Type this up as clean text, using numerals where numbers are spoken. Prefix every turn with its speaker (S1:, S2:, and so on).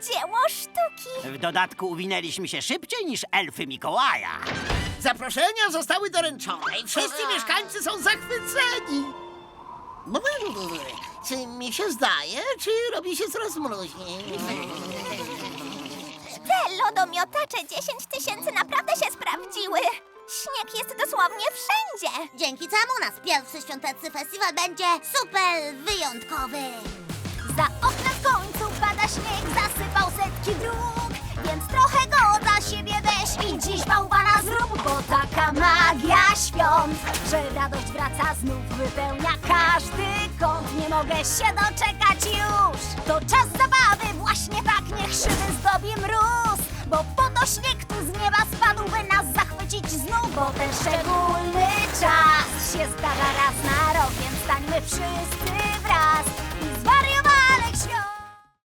S1: dzieło sztuki.
S2: W dodatku uwinęliśmy się szybciej niż elfy Mikołaja.
S3: Zaproszenia zostały doręczone i wszyscy mieszkańcy są zachwyceni. Czy mi się zdaje, czy robi się coraz mroźniej?
S1: Te lodomiotacze 10 000 naprawdę się sprawdziły. Śnieg jest dosłownie wszędzie.
S4: Dzięki czemu nasz pierwszy świąteczny festiwal będzie super wyjątkowy.
S1: Za oknem w końcu pada śnieg, zasypał setki dróg. Więc trochę go dla siebie weź i dziś bałwana zrób. Bo taka magia świąt, że radość wraca znów, wypełnia każdy kąt. Nie mogę się doczekać już. To czas zabawy, właśnie tak niech szyby zdobi mróz. Bo po to śnieg tu z nieba spadł, by nas zachwycić znów. Bo ten szczególny czas się zdarza raz na rok, więc stańmy wszyscy wraz i